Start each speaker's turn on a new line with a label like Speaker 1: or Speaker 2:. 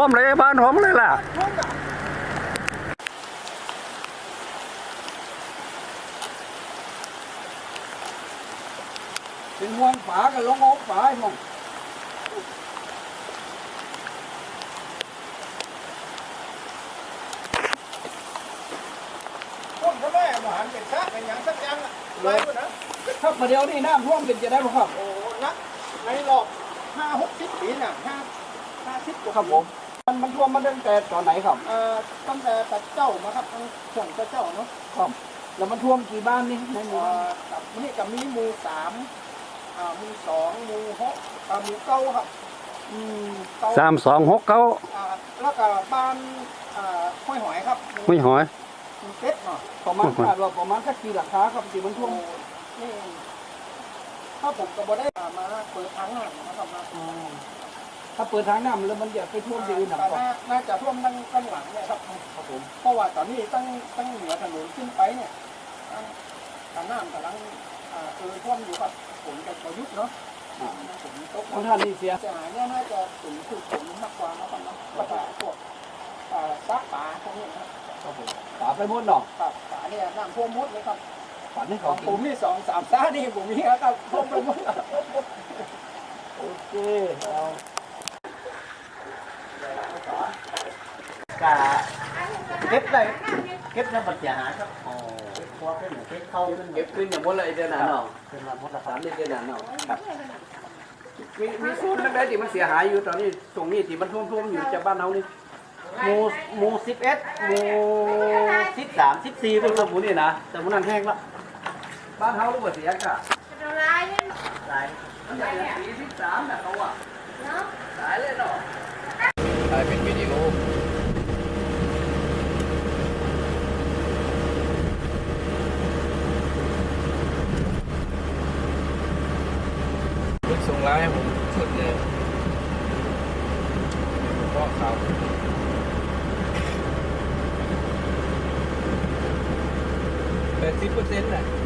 Speaker 1: ท่วมเลยบ้านผมเลยล่ะ
Speaker 2: เป็นห่วงฝากับลงอกฝาไอ้หมองต้นก็แม่หมหันเป็นซะเป็นอย่างสักอย่างเลยนะถ้าประเดี๋ยวนี้น้ำท่วมเป็นจะได้ไหมครับโอ้นักในรอบ50-60 ปีน่ะ50 กว่าครับผมมันท่วมมาตั้งแต่ตอนไหนครับตั้งแต่ตะเจ้ามาครับตั้งช่วงตะเจ้าเนาะครับแล้วมันท่วมกี่บ้านนี่ในหมู่กับนี่กับมีหมู่3หมู่2หมู่6หมู่9ครับ
Speaker 1: 3269
Speaker 2: แล้วก็บ้านห้วยหอยครับ
Speaker 1: ไม่หอย
Speaker 2: เจ็ดเนาะประมาณประมาณสักกี่หลังคาครับที่มันท่วมนี่ถ้าผมก็บ่ได้มาเปิดทางน้ำนะครับถ้าเปิดทางน้ำแล้วมันจะไปท่วมที่อื่นหนักกว่าน่าจะท่วมตั้งหลังเนี่ยครับผมเพราะว่าตอนนี้ตั้งเหนือถนนขึ้นไปเนี่ยทางน้ำกำลังท่วมอยู่ครับผมจะประยุกต์เนาะผมตกท่านนี่เสียหายเนี่ยน่าจะถึงผมมากกว่านะครับเนาะก็จะพวกซักป่าพวกนี้ครับผมป่าไปหมดเนาะครับป่าเนี่ยน้ำท่วมหมดเลยครับป่านี่ของผมนี่2-3 ซ่านี่ผมมีครับท่วมไปหมดโอเคเอากะเก็บได้เก็บแล้วมันเสียหายครับเก็บตัวขึ้นเก็บเข้าขึ้นเก็บขึ้นอย่างหมดเลยเดือนหนาเนาะเป็นมาหมดละ3 เดือนหนาเนาะครับมีส่วนนั้นได้ที่มันเสียหายอยู่ตอนนี้ตรงนี้ที่มันท่วมอยู่จากบ้านเรานี่หมู่11หมู่13 14เป็นสมุนนี่นะแต่มันนั่นแห้งละบ้านเฮาลูกเสียกะลายมันใหญ่13น่ะเขาอ่ะหลายเลยเนาะถ่ายเป็นวิดีโอส่งไลน์ให้ผมสุดเลยเพราะข่าว80%แหละ